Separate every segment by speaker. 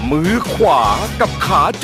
Speaker 1: มือขวากับขาโจ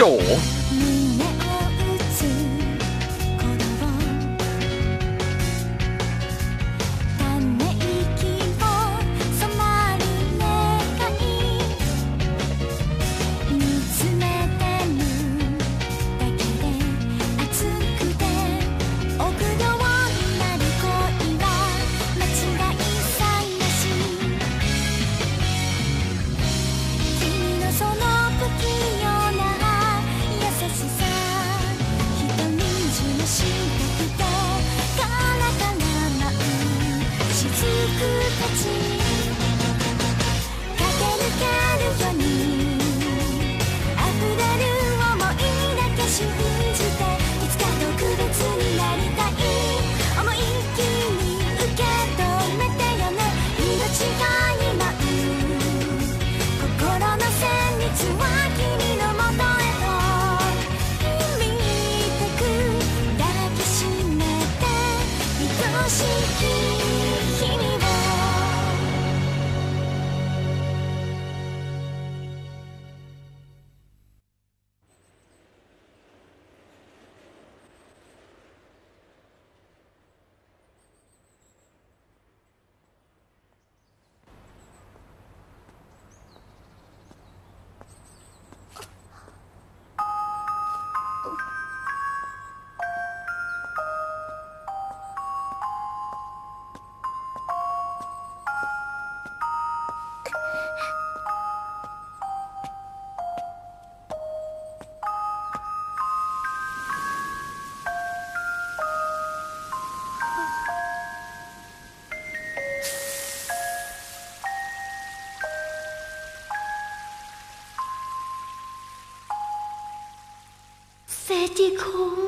Speaker 2: เซจิคุง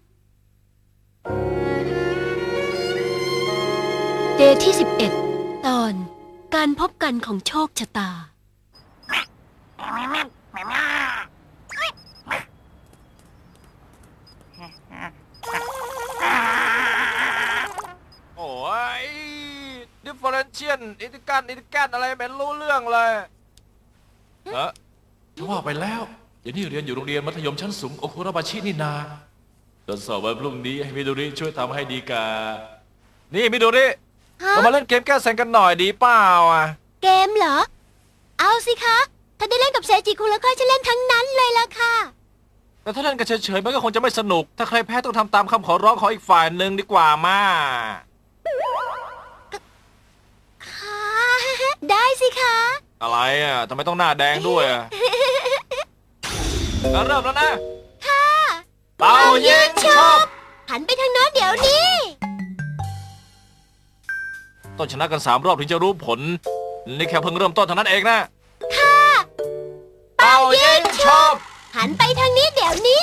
Speaker 2: เดย์ที่11ตอนการพบกันของโชคชะตา
Speaker 3: โอ้ยดิฟเฟอเรนเชียนอินทิกันอะไรไม่รู้เรื่องเลยจะว่าไปแล้วอย่างนี้เรียนอยู่โรงเรียนมัธยมชั้นสูงโอคุระบาชินี่นาตอนสอบวันพรุ่งนี้ให้มิโดริช่วยทำให้ดีกานี่มิโดริเรามาเล่นเกมแก้แซงกันหน่อยดีเปล่าอ่ะ
Speaker 2: เกมเหรอเอาสิคะถ้าได้เล่นกับเซจิคุงแล้วก็จะเล่นทั้งนั้นเลยล่ะค่ะ
Speaker 3: แต่ถ้าเล่นกันเฉยๆมันก็คงจะไม่สนุกถ้าใครแพ้ต้องทำตามคำขอร้องของอีกฝ่ายหนึ่งดีกว่ามา
Speaker 2: ค่ะได้สิคะ
Speaker 3: อะไรอ่ะทำไมต้องหน้าแดงด้วยอ่ะเริ่มแล้วนะ
Speaker 2: ค่ะ
Speaker 3: เป่ายิงฉุบ
Speaker 2: หันไปทางโน้นเดี๋ยวนี้
Speaker 3: ต้องชนะกัน3 รอบถึงจะรู้ผลนี่แค่เพิ่งเริ่มต้นเท่านั้นเองนะ
Speaker 2: ค่ะ
Speaker 3: เป่ายิงฉุบ
Speaker 2: หันไปทางนี้เดี๋ยวนี้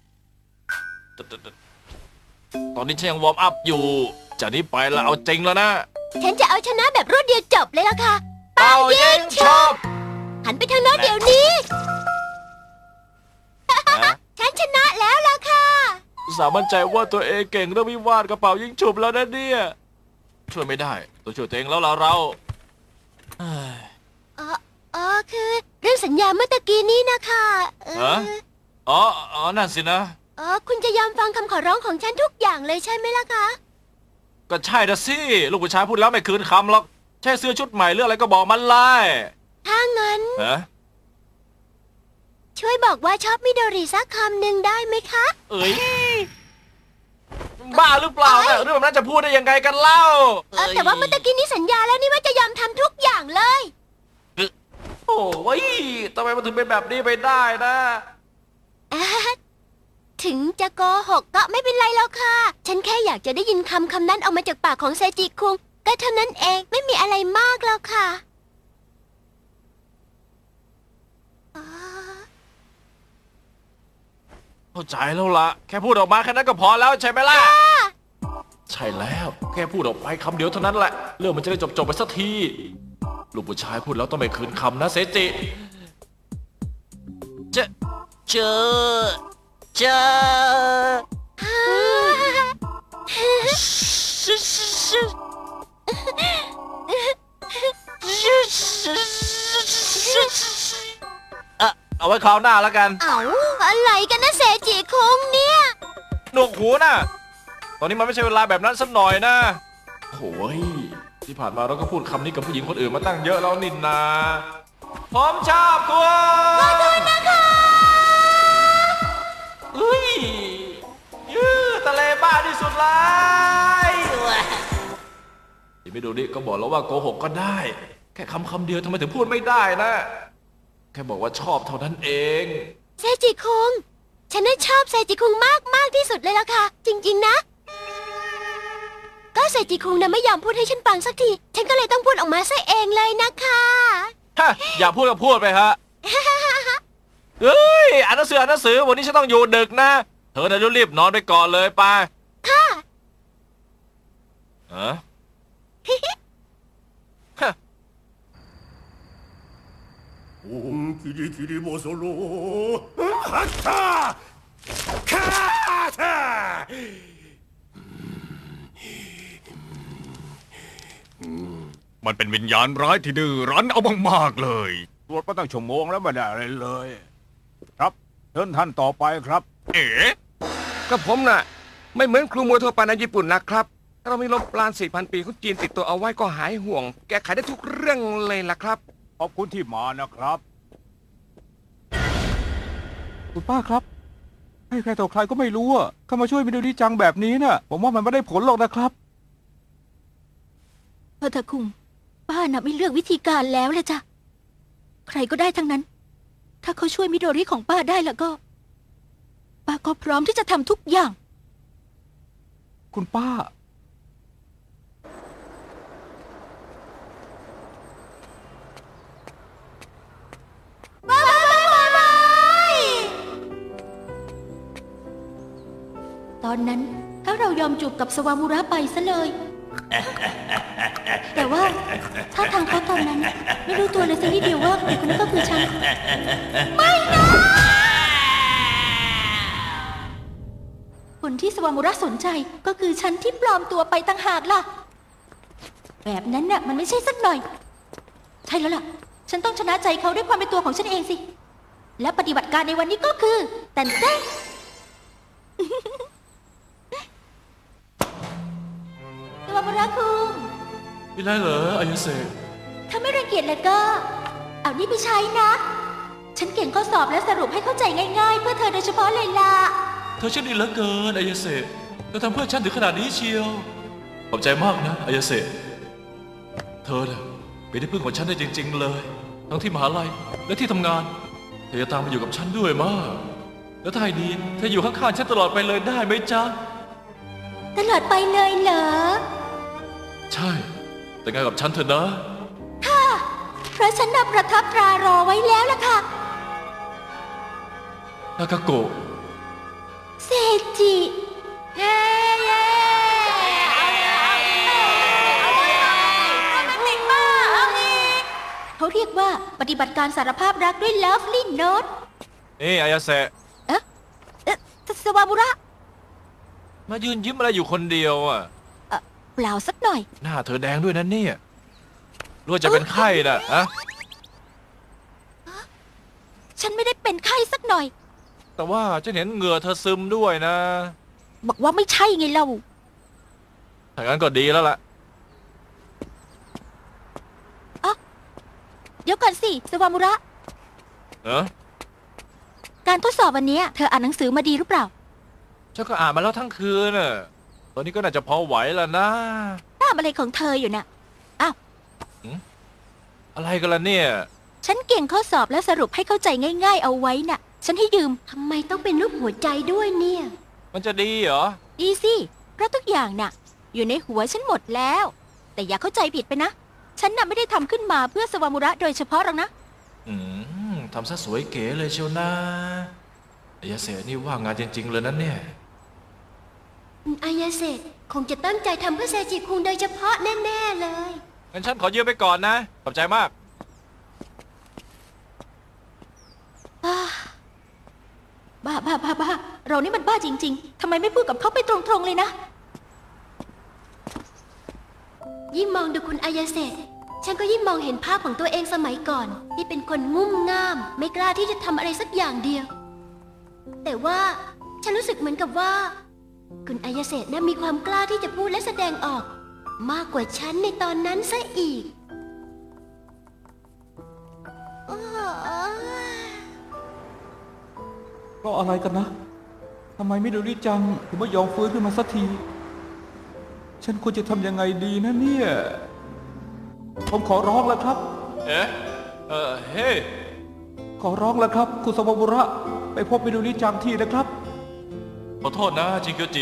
Speaker 3: ตอนนี้ฉันยังวอร์มอัพอยู่จากนี้ไปแล้วเอาจริงแล้วนะ
Speaker 2: ฉันจะเอาชนะแบบรวดเดียวจบเลยล่ะค่ะ
Speaker 3: เป่ายิงฉุบ
Speaker 2: หันไปทางโน้นเดี๋ยวนี้ฉันชนะแล้วล่ะค่ะ
Speaker 3: สามัญใจว่าตัวเองเก่งเรื่องวิวาทกระเป๋ายิงฉุบแล้วนะเนี่ยช่วยไม่ได้ตัวช่วยตัวเองแล้วเรา
Speaker 2: คือเรื่องสัญญาเมื่อตะกี้นี้นะคะ
Speaker 3: อ๋อนั่นสินะ
Speaker 2: คุณจะยอมฟังคำขอร้องของฉันทุกอย่างเลยใช่ไหมล่ะคะ
Speaker 3: ก็ใช่นะสิลูกผู้ชายพูดแล้วไม่คืนคำหรอกแค่เสื้อชุดใหม่เรื่องอะไรก็บอกมันเลย
Speaker 2: ถ้างั้นช่วยบอกว่าชอบมิโดริสักคำหนึ่งได้ไหมคะ
Speaker 3: เอ้ยบ้าหรือเปล่าเนี่ยเรื่องแบบนั้นจะพูดได้ยังไงกันเล่า
Speaker 2: แต่ว่าเมื่อตะกี้นี้สัญญาแล้วนี่ว่าจะยอมทำทุกอย่างเลย
Speaker 3: โอ้ยทำไมมันถึงเป็นแบบนี้ไปได้นะ
Speaker 2: ถึงจะโกหกก็ไม่เป็นไรแล้วค่ะฉันแค่อยากจะได้ยินคำนั้นออกมาจากปากของเซจิคุงก็เท่านั้นเองไม่มีอะไรมากแล้วค่ะ
Speaker 3: เข้าใจแล้วล่ะแค่พูดออกมาแค่นั้นก็พอแล้วใช่ไหมล่ะใช่แล้วแค่พูดออกไปคำเดียวเท่านั้นแหละเรื่องมันจะได้จบไปสักทีลูกผู้ชายพูดแล้วต้องไม่คืนคำนะเซจิเจอเอาไว้คราวหน้าแล้วกัน
Speaker 2: เอาอะไรกันนะเซจิคุงเนี่ย
Speaker 3: หนวกหูนะตอนนี้มันไม่ใช่เวลาแบบนั้นสักหน่อยนะโอ้ยที่ผ่านมาเราก็พูดคำนี้กับผู้หญิงคนอื่นมาตั้งเยอะแล้วนินนาผมชอบคุณขอโทษนะคะอุ้ยยืดทะเลบ้าที่สุดเลยที่ไม่ดูนี่ก็บอกแล้วว่าโกหกก็ได้ แค่คำเดียวทำไมถึงพูดไม่ได้นะ แค่บอกว่าชอบเท่านั้นเอง
Speaker 2: เซจิคุงฉันน่ะชอบเซจิคุงมากที่สุดเลยล่ะค่ะ จริงๆนะ ก็เซจิคุงน่ะไม่ยอมพูดให้ฉันฟังสักที ฉันก็เลยต้องพูดออกมาซะเองเลยนะคะ
Speaker 3: ฮะอย่าพูดก็พูดไปฮะ เฮ้ยอ่านหนังสือวันนี้ฉันต้องอยู่ดึกนะ เธอน่ะรีบนอนไปก่อนเลยไป
Speaker 2: ค่ะ
Speaker 3: ฮะ
Speaker 4: キリキリもそろはったカータ
Speaker 5: มันเป็นวิญญาณร้ายที่ดื้อรั้นเอามากๆเลย
Speaker 4: ตรวจมาตั้งชั่วโมงแล้วไม่ได้อะไรเลย ครับเชิญท่านต่อไปครับ
Speaker 5: เอ๋
Speaker 1: กับผมน่ะ ไม่เหมือนครูมวยทั่วไปในญี่ปุ่นนะครับถ้าเรามีลมปราณ 4,000 ปีของจีนติดตัวเอาไว้ก็หายห่วง แก้ไขได้ทุกเรื่องเลยล่ะครับ
Speaker 4: ขอบคุณที่มานะครับ
Speaker 6: คุณป้าครับ ให้ใครต่อใครก็ไม่รู้อะเข้ามาช่วยมิโดริจังแบบนี้น่ะ ผมว่ามันไม่ได้ผลหรอกนะครับ
Speaker 7: พอเถอะคุงป้าน่ะไม่เลือกวิธีการแล้วเลยจ้ะใครก็ได้ทั้งนั้น ถ้าเขาช่วยมิโดริของป้าได้แล้วก็ ป้าก็พร้อมที่จะทำทุกอย่าง
Speaker 6: คุณป้า
Speaker 7: ตอนนั้นถ้าเรายอมจูบกับสวามุระไปซะเลย แต่ว่าถ้าทางเขาตอนนั้น ไม่รู้ตัวเลยสักนิดเดียวว่าเด็กคนนั้นก็คือฉัน ไม่นะคนที่สวามุระสนใจก็คือฉันที่ปลอมตัวไปต่างหากล่ะ แบบนั้นน่ะมันไม่ใช่สักหน่อย ใช่แล้วล่ะ ฉันต้องชนะใจเขาด้วยความเป็นตัวของฉันเองสิ และปฏิบัติการในวันนี้ก็คือแต่นเต้น สวามุระคุง
Speaker 3: มีอะไรเหรออายาเซ
Speaker 7: ถ้าไม่รังเกียจแล้วก็ เอานี่ไปใช้นะ ฉันเก่งข้อสอบและสรุปให้เข้าใจง่ายๆ เพื่อเธอโดยเฉพาะเลยล่ะ
Speaker 3: เธอช่างดีเหลือเกินอายาเซเธอทำเพื่อฉันถึงขนาดนี้เชียว ขอบใจมากนะอายาเซเธอน่ะเป็นที่พึ่งของฉันได้จริงๆเลย ทั้งที่มหาลัยและที่ทำงาน เธอจะตามมาอยู่กับฉันด้วยมาก แล้วถ้าให้ดีเธออยู่ข้างๆฉันตลอดไปเลยได้ไหมจ๊ะ
Speaker 7: ตลอดไปเลยเหรอ
Speaker 3: ใช่ แต่งงานกับฉันเถอะนะ
Speaker 7: ค่ะ เพราะฉันนับประทับตรารอไว้แล้วล่ะค่ะ
Speaker 3: นากาโกะ
Speaker 7: เซจิเย้เย้เขาเรียกว่าปฏิบัติการสารภาพรักด้วย Lovely Note
Speaker 3: นี่อายาเซ
Speaker 7: สวามุระ
Speaker 3: มายืนยิ้มอะไรอยู่คนเดียวอ่ะ
Speaker 7: เปล่าสักหน่อย
Speaker 3: หน้าเธอแดงด้วยนะเนี่ยรู้ว่าจะเป็นไข้น่ะฮะ
Speaker 7: ฉันไม่ได้เป็นไข้สักหน่อย
Speaker 3: แต่ว่าฉันเห็นเหงื่อเธอซึมด้วยนะ
Speaker 7: บอกว่าไม่ใช่ไงเรา
Speaker 3: ถ้างั้นก็ดีแล้วล่ะ
Speaker 7: เดี๋ยวก่อนสิ สวามุระ
Speaker 3: เนอะ
Speaker 7: การทดสอบวันนี้เธออ่านหนังสือมาดีหรือเปล่า
Speaker 3: ฉันก็อ่านมาแล้วทั้งคืนน่ะ ตอนนี้ก็น่าจะพอไหวแล้วนะ
Speaker 7: ตามอะไรของเธออยู่น่ะ อ้าว
Speaker 3: อะไรกันล่ะเนี่ย
Speaker 7: ฉันเก่งข้อสอบและสรุปให้เข้าใจง่ายๆเอาไว้น่ะ ฉันให้ยืม
Speaker 2: ทำไมต้องเป็นรูปหัวใจด้วยเนี่ย
Speaker 3: มันจะดีเหรอ
Speaker 7: ดีสิ เพราะทุกอย่างน่ะ อยู่ในหัวฉันหมดแล้ว แต่อย่าเข้าใจผิดไปนะ ฉันน่ะไม่ได้ทำขึ้นมาเพื่อสวามุระโดยเฉพาะหรอกนะ
Speaker 3: ทำซะสวยเก๋เลยเชียวนะอายาเสนี่ว่างงานจริงๆเลยนะเนี่ย
Speaker 2: อายาเซคงจะตั้งใจทำเพื่อเซจิคุงโดยเฉพาะแน่ๆเลย
Speaker 3: งั้นฉันขอยืมไปก่อนนะ ขอบใจมาก
Speaker 7: บ้า เรานี่มันบ้าจริงๆ ทำไมไม่พูดกับเขาไปตรงๆเลยนะ
Speaker 2: ยิ่งมองดูคุณอายาเซฉันก็ยิ่งมองเห็นภาพของตัวเองสมัยก่อน ที่เป็นคนงุ่มง่าม ไม่กล้าที่จะทำอะไรสักอย่างเดียว แต่ว่าฉันรู้สึกเหมือนกับว่า คุณอายาเศษน่ะมีความกล้าที่จะพูดและแสดงออก มากกว่าฉันในตอนนั้นซะอีก
Speaker 6: ก็อะไรกันนะทำไมมิโดริจังถึงไม่ยอมฟื้นขึ้นมาสักที ฉันควรจะทำยังไงดีนะเนี่ย ผมขอร้องแล้วครับ
Speaker 3: เอ๊ะเฮ้ย
Speaker 6: ขอร้องแล้วครับ คุณสวามุระไปพบมิโดริจังทีนะครับ
Speaker 3: ขอโทษนะจิงเกียวจิ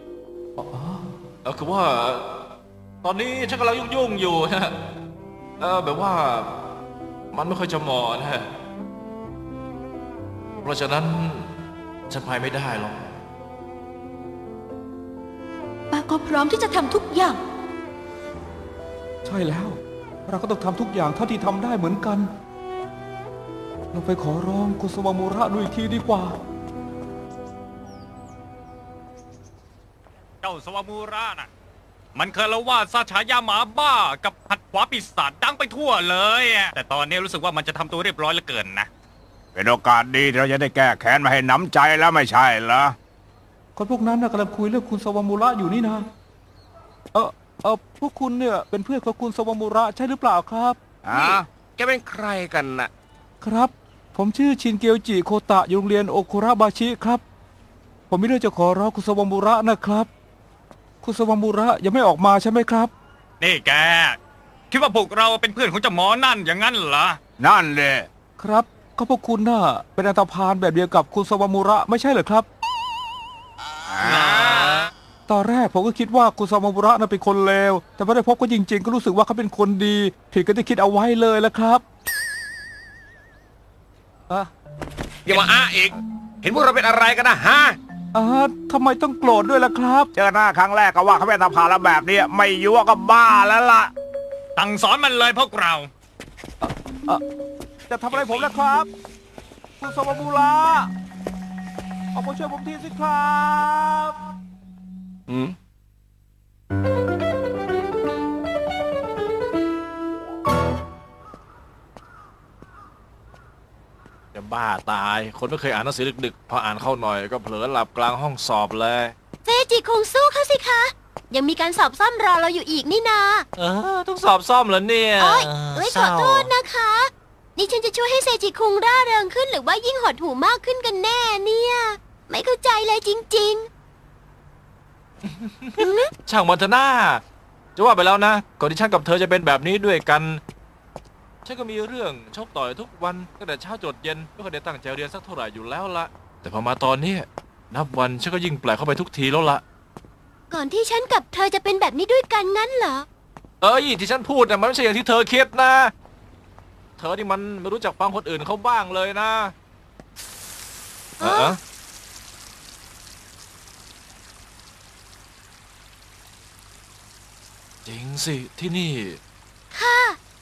Speaker 3: คือว่า ตอนนี้ฉันกำลังยุ่งๆอยู่นะแบบว่ามันไม่ค่อยจะเหมาะนะเพราะฉะนั้นฉันไปไม่ได้หรอก
Speaker 7: ป้าก็พร้อมที่จะทำทุกอย่าง
Speaker 6: ใช่แล้ว เราก็ต้องทำทุกอย่างเท่าที่ทำได้เหมือนกัน เราไปขอร้องคุณสวามุระดูอีกทีดีกว่า
Speaker 5: เจ้าสวามูระน่ะ มันเคยเล่าว่าซาฉายาหมาบ้ากับหัดขวาปีศาจดังไปทั่วเลยอะแต่ตอนนี้รู้สึกว่ามันจะทำตัวเรียบร้อยเหลือเกินนะ
Speaker 8: เป็นโอกาสดีที่เราจะได้แก้แค้นมาให้หนำใจแล้วไม่ใช่เหรอ
Speaker 6: คนพวกนั้นนะกำลังคุยเรื่องคุณสวามุระอยู่นี่นะพวกคุณเนี่ยเป็นเพื่อนของคุณสวามุระใช่หรือเปล่าครับ
Speaker 1: นี่แกเป็นใครกันน่ะ
Speaker 6: ครับ ผมชื่อชินเกียวจิโคตะอยู่โรงเรียนโอคุระบาชิครับ ผมมีเรื่องจะขอร้องคุณสวามุระนะครับ คุณสวามุระยังไม่ออกมาใช่ไหมครับ
Speaker 5: นี่แก คิดว่าพวกเราเป็นเพื่อนของเจ้าหมอนั่นอย่างนั้นเหรอ
Speaker 8: นั่นเลย
Speaker 6: ครับก็พวกคุณน่ะเป็นอันธพาลแบบเดียวกับคุณสวามุระไม่ใช่เหรอครับ ตอนแรกผมก็คิดว่าคุณสวามุระน่ะเป็นคนเลวแต่ไม่ได้พบก็จริงๆ ก็รู้สึกว่าเขาเป็นคนดีผิดก็ที่คิดเอาไว้เลยละครับ
Speaker 1: อย่ามาอ้าอีก เห็นพวกเราเป็นอะไรกันนะฮะ
Speaker 6: ทำไมต้องโกรธด้วยล่ะครับ
Speaker 8: เจอหน้าครั้งแรกก็ว่าเขาเป็นตาพาแล้วแบบนี้ไม่ยั่วก็บ้าแล้วล่ะ
Speaker 5: ตั้งสอนมันเลยพวกเรา
Speaker 6: จะทำอะไรผมนะครับ คุณสวามุระออกมาช่วยผมทีสิครับ
Speaker 3: จะบ้าตาย คนไม่เคยอ่านหนังสือดึกๆ พออ่านเข้าหน่อยก็เผลอหลับกลางห้องสอบเลย
Speaker 2: เซจิคุงสู้เขาสิคะ ยังมีการสอบซ่อมรอเราอยู่อีกนี่นา
Speaker 3: ต้องสอบซ่อมเหรอเนี่ย
Speaker 2: โอ้ยขอโทษนะคะ นี่ฉันจะช่วยให้เซจิคุงร่าเริงขึ้นหรือว่ายิ่งหดหู่มากขึ้นกันแน่เนี่ย ไม่เข้าใจเลยจริง
Speaker 3: ช่างมันเถอะหน้าจะว่าไปแล้วนะก่อนที่ฉันกับเธอจะเป็นแบบนี้ด้วยกัน ฉันก็มีเรื่องชกต่อยทุกวันตั้งแต่เช้าจนเย็นไม่เคยได้ตั้งใจเรียนสักเท่าไหร่อยู่แล้วละแต่พอมาตอนนี้นับวันฉันก็ยิ่งแปลกเข้าไปทุกทีแล้วละ
Speaker 2: ๆ ก่อนที่ฉันกับเธอจะเป็นแบบนี้ด้วยกันงั้นเหรอ
Speaker 3: ที่ฉันพูดน่ะมันไม่ใช่อย่างที่เธอคิดนะ เธอนี่มันไม่รู้จักฟังคนอื่นเขาบ้างเลยนะจริงสิที่นี่
Speaker 2: ค่ะ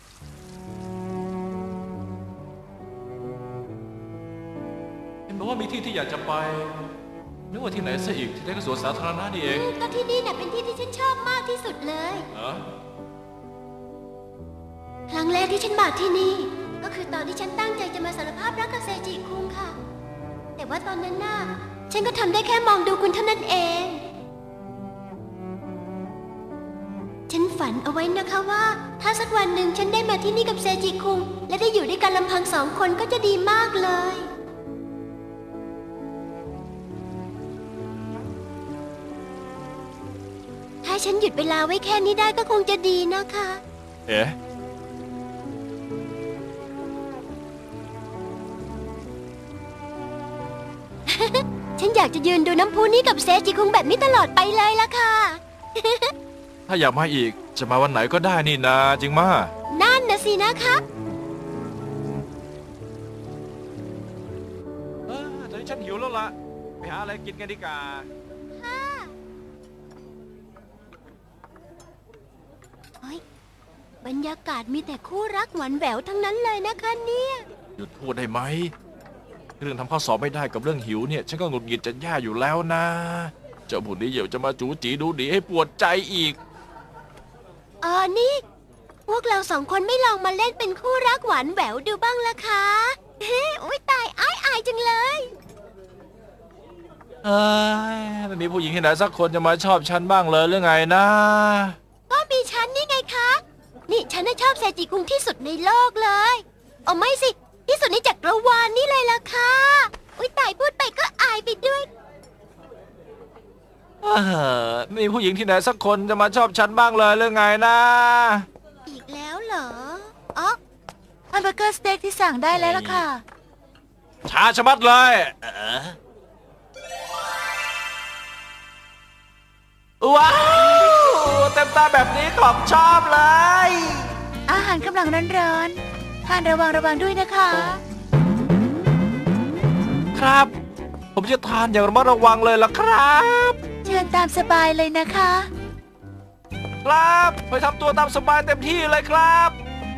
Speaker 3: เห็นบอกว่ามีที่ที่อยากจะไปนึกว่าที่ไหนซะอีกที่ได้ก็สวนสาธารณะนี่เอง
Speaker 2: ก็ที่นี่น่ะเป็นที่ที่ฉันชอบมากที่สุดเลย ครั้งแรกที่ฉันมาที่นี่ ก็คือตอนที่ฉันตั้งใจจะมาสารภาพรักกับเซจิคุงค่ะ แต่ว่าตอนนั้นน่ะฉันก็ทำได้แค่มองดูคุณเท่านั้นเอง ฉันฝันเอาไว้นะคะว่า ถ้าสักวันหนึ่งฉันได้มาที่นี่กับเซจิคุงและได้อยู่ด้วยกันลำพัง2 คนก็จะดีมากเลย ถ้าฉันหยุดเวลาไว้แค่นี้ได้ก็คงจะดีนะคะ
Speaker 3: เอ๊ะ
Speaker 2: ฉันอยากจะยืนดูน้ำพุนี้กับเซจิคุงแบบนี้ตลอดไปเลยล่ะค่ะ
Speaker 3: ถ้าอยากมาอีกจะมาวันไหนก็ได้นี่นาจริงมา
Speaker 2: นั่นนะสินะคะ
Speaker 3: ตอนนี้ฉันหิวแล้วล่ะไปหาอะไรกินกันดีกว่า
Speaker 2: บรรยากาศมีแต่คู่รักหวานแหววทั้งนั้นเลยนะคะเนี่ย
Speaker 3: หยุดพูดได้ไหมเรื่องทำข้อสอบไม่ได้กับเรื่องหิวเนี่ยฉันก็หงุดหงิดจะแย่อยู่แล้วนะเจ้าผู้นี้เดี๋ยวจะมาจู๋จีดูดีให้ปวดใจอีก
Speaker 2: นี่พวกเราสองคนไม่ลองมาเล่นเป็นคู่รักหวานแหววดูบ้างล่ะคะเฮ้อุ๊ยตายอายจังเลย
Speaker 3: เอ้ยไม่มีผู้หญิงที่ไหนสักคนจะมาชอบฉันบ้างเลยหรือไงนะ
Speaker 2: ก็มีฉันนี่ไงคะ นี่ฉันน่ะชอบเซจิคุงที่สุดในโลกเลยเอาไม่สิ ที่สุดในจักรวาลนี่เลยล่ะค่ะอุ๊ยตายพูดไปก็อายไปด้วย
Speaker 3: ไม่มีผู้หญิงที่ไหนสักคนจะมาชอบฉันบ้างเลยหรือไงนะ
Speaker 2: อีกแล้วเหรออ๋อ
Speaker 7: แฮมเบอร์เกอร์สเต็กที่สั่งได้แล้วล่ะค่ะ
Speaker 3: ช้าชะมัดเลยว้าวเต็มตาแบบนี้ของชอบเลย
Speaker 7: อาหารกำลังร้อนๆทานระวังด้วยนะคะ
Speaker 3: ครับ ผมจะทานอย่างระมัดระวังเลยล่ะครับ
Speaker 7: เชิญตามสบายเลยนะคะ
Speaker 3: ครับไปทำตัวตามสบายเต็มที่เลยครับ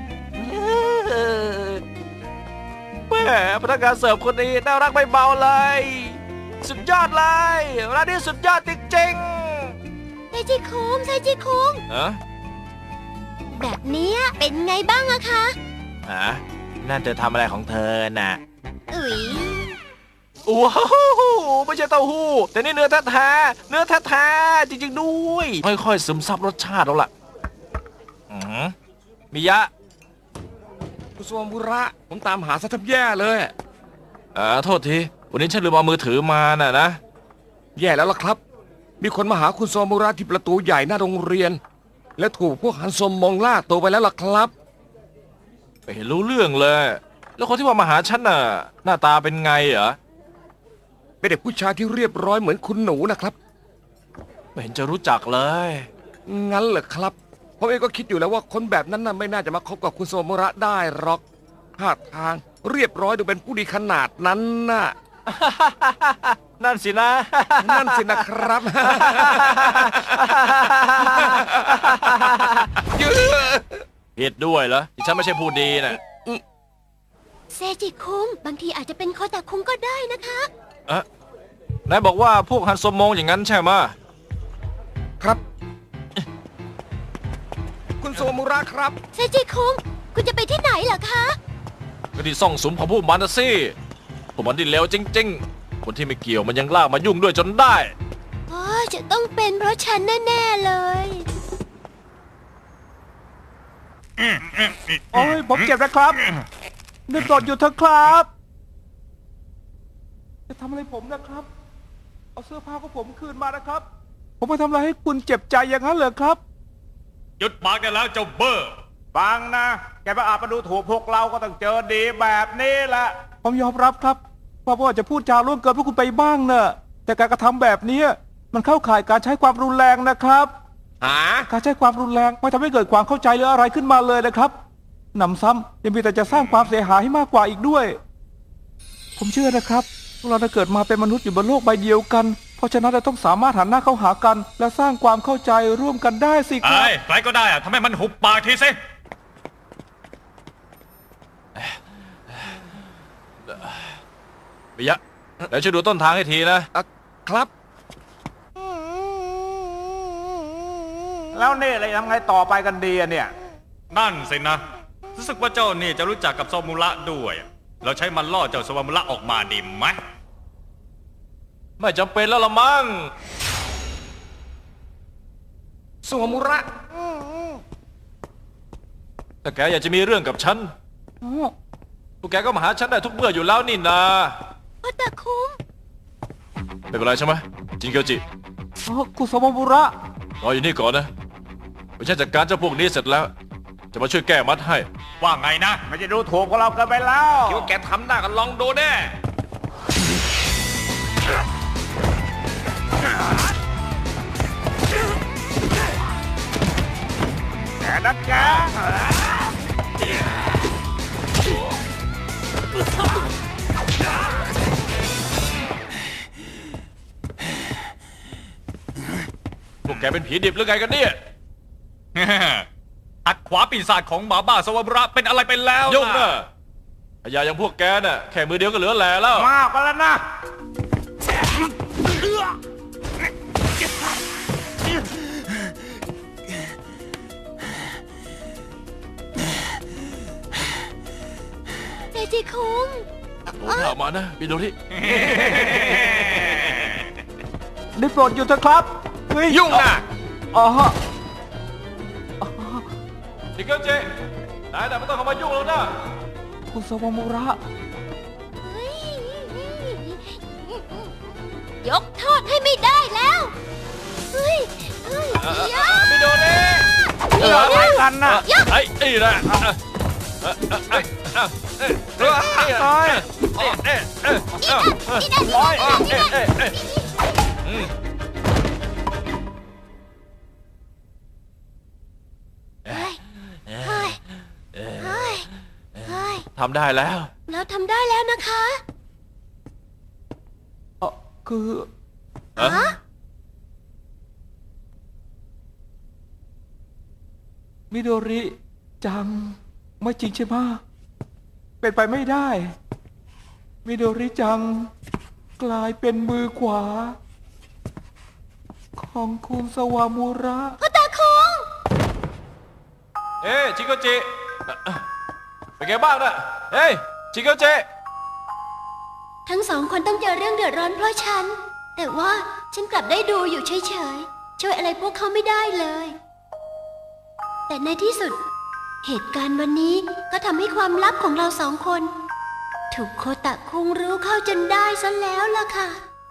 Speaker 3: แหมพนักงานเสิร์ฟคนนี้น่ารักไม่เบาเลย สุดยอดเลยร้านนี้สุดยอดจริง
Speaker 2: เซจิคุงเซจิคุง
Speaker 3: ๆฮะ
Speaker 2: แบบเนี้ยเป็นไงบ้างอะคะ
Speaker 3: นั่นจะทำอะไรของเธอน่ะ
Speaker 2: อุ๊ย
Speaker 3: ว้าวไม่ใช่เต้าหู้แต่นี่เนื้อแท้ๆเนื้อแท้ๆจริงๆด้วยค่อยๆซึมซับรสชาติแล้วล่ะมิยะ
Speaker 1: คุณสวมบุระผมตามหาซะแทบแย่เลย
Speaker 3: โทษทีวันนี้ฉันลืมเอามือถือมาน่ะนะ
Speaker 1: แย่แล้วล่ะครับ มีคนมาหาคุณสวมบุระที่ประตูใหญ่หน้าโรงเรียน และถูกพวกฮันซมมองล่าตัวไปแล้วล่ะครับ
Speaker 3: ไม่เห็นรู้เรื่องเลย แล้วคนที่ว่ามาหาฉันน่ะหน้าตาเป็นไงเหรอ
Speaker 1: เป็นเด็กผู้ชายที่เรียบร้อยเหมือนคุณหนูนะครับ
Speaker 3: ไม่เห็นจะรู้จักเลย
Speaker 1: งั้นเหรอครับผมเองก็คิดอยู่แล้วว่าคนแบบนั้นน่ะไม่น่าจะมาคบกับคุณสวมบุระได้หรอกท่าทางเรียบร้อยดูเป็นผู้ดีขนาดนั้นน่ะ
Speaker 3: นั่นสินะ
Speaker 1: นั่นสินะครับ
Speaker 3: ผิดด้วยเหรอที่ฉันไม่ใช่ผู้ดีน่ะ
Speaker 2: เซจิคุงบางทีอาจจะเป็นโคตาคุงก็ได้นะคะ
Speaker 3: นายบอกว่าพวกฮันโซมงอย่างนั้นใช่ไหม
Speaker 1: ครับ คุณสวมบุระครับ
Speaker 2: เซจิคุงคุณจะไปที่ไหนเหรอคะ
Speaker 3: ก็ที่ซ่องสุมของพวกมันนะสิพวกมันที่เลวจริงๆ คนที่ไม่เกี่ยวมันยังลากมายุ่งด้วยจนได้
Speaker 2: โอ้ยจะต้องเป็นเพราะฉันแน่ๆเลย
Speaker 6: โอ้ยผมเจ็บนะครับนึกกดอยู่เถอะครับ จะทำอะไรผมนะครับ เอาเสื้อผ้าของผมคืนมานะครับ ผมไปทำอะไรให้คุณเจ็บใจอย่างนั้นเหรอครับ
Speaker 5: หยุดปากได้แล้วเจ้าเบอร์
Speaker 8: ฟังนะ แกมาอาจมาดูถูกพวกเราก็ต้องเจอดีแบบนี้แหละ
Speaker 6: ผมยอมรับครับว่าอาจจะพูดจาล่วงเกินพวกคุณไปบ้างเนอะแต่การกระทำแบบนี้มันเข้าข่ายการใช้ความรุนแรงนะครับ
Speaker 1: หา
Speaker 6: การใช้ความรุนแรงไม่ทำให้เกิดความเข้าใจหรืออะไรขึ้นมาเลยนะครับหนำซ้ำยังมีแต่จะสร้างความเสียหายให้มากกว่าอีกด้วย ผมเชื่อนะครับพวกเราได้เกิดมาเป็นมนุษย์อยู่บนโลกใบเดียวกัน เพราะฉะนั้นเราต้องสามารถหันหน้าเข้าหากัน และสร้างความเข้าใจร่วมกันได้สิครับ
Speaker 5: ใครก็ได้อะทำให้มันหุบปากทีสิ
Speaker 3: มิยะเดี๋ยวช่วยดูต้นทางให้ทีนะ
Speaker 1: ครับ
Speaker 8: แล้วนี่อะไรทำไงต่อไปกันดีอะเนี่ย
Speaker 5: นั่นสินะรู้สึกว่าเจ้านี่จะรู้จักกับโซมุระด้วย เราใช้มันล่อเจ้าโซมุระออกมาดีไหม
Speaker 3: ไม่จำเป็นแล้วละมั้ง
Speaker 1: สวมบุระ
Speaker 3: ถ้าแกอยากจะมีเรื่องกับฉันพวกแกก็มาหาฉันได้ทุกเมื่ออยู่แล้วนี่นา
Speaker 2: โคตาคุง
Speaker 3: ไม่เป็นไรใช่ไหมจินเกียวจิ
Speaker 6: กุสมบุระ
Speaker 3: รออยู่นี่ก่อนนะไปฉันจัดการเจ้าพวกนี้เสร็จแล้ว จะมาช่วยแก้มัดให้
Speaker 5: ว่าไงนะ
Speaker 8: ไม่จะดูถูกพวกเราเกินไปแล้ว
Speaker 1: คิดว่าแกทำได้ก็ลองดูแน่
Speaker 8: แกนักแก
Speaker 3: พวกแกเป็นผีดิบหรือไงกันเนี่ย
Speaker 5: อัดขวาปีศาจของหมาบ้าโซมุระเป็นอะไรไปแล้ว
Speaker 3: ยุ่งนะพยาอย่างพวกแกน่ะแค่มือเดียวก็เหลือแหล่แล้ว
Speaker 8: มากไปแล้วนะ
Speaker 5: พ
Speaker 2: จิคุง
Speaker 3: โอ้ข่าวมานะมิโดริ
Speaker 6: ได้โปรดหยุดเถอะครับเฮ้ย
Speaker 1: ยุ่งนะ
Speaker 6: อ๋อฮะ
Speaker 3: ชิเกิลเจนายไม่ต้องเข้ามายุ่งแล้วนะ
Speaker 6: คุณสวามุระ
Speaker 2: ยกโทษให้ไม่ได้แล้ว เฮ้ยยา
Speaker 3: มิโดริ
Speaker 8: อะไรกันน่ะ
Speaker 3: ไอ้นี่แหละ ทำได้แล้ว
Speaker 2: เราทำได้แล้วนะคะ
Speaker 6: คือ
Speaker 2: ฮะ
Speaker 6: มิโดริจังไม่จริงใช่ไหมเป็นไปไม่ได้ มิโดริจังกลายเป็นมือขวา ของคุณสวามุระ
Speaker 2: พ่อตาคุง
Speaker 3: เอ้ชิเกิลเจเป็นไงบ้างนะเฮ้ยชิเกิลเจ
Speaker 2: ทั้งสองคนต้องเจอเรื่องเดือดร้อนเพราะฉัน แต่ว่าฉันกลับได้ดูอยู่เฉยๆ ช่วยอะไรพวกเขาไม่ได้เลย แต่ในที่สุด เหตุการณ์วันนี้ก็ทำให้ความลับของเราสองคน ถูกโคตะคุงรู้เข้าจนได้ซะแล้วล่ะค่ะ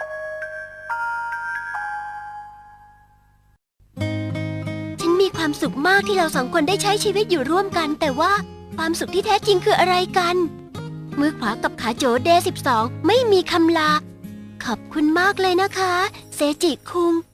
Speaker 2: ฉันมีความสุขมากที่เราสองคนได้ใช้ชีวิตอยู่ร่วมกัน แต่ว่าความสุขที่แท้จริงคืออะไรกัน มือขวากับขาโจเดย์12 ไม่มีคำลา ขอบคุณมากเลยนะคะ เซจิคุง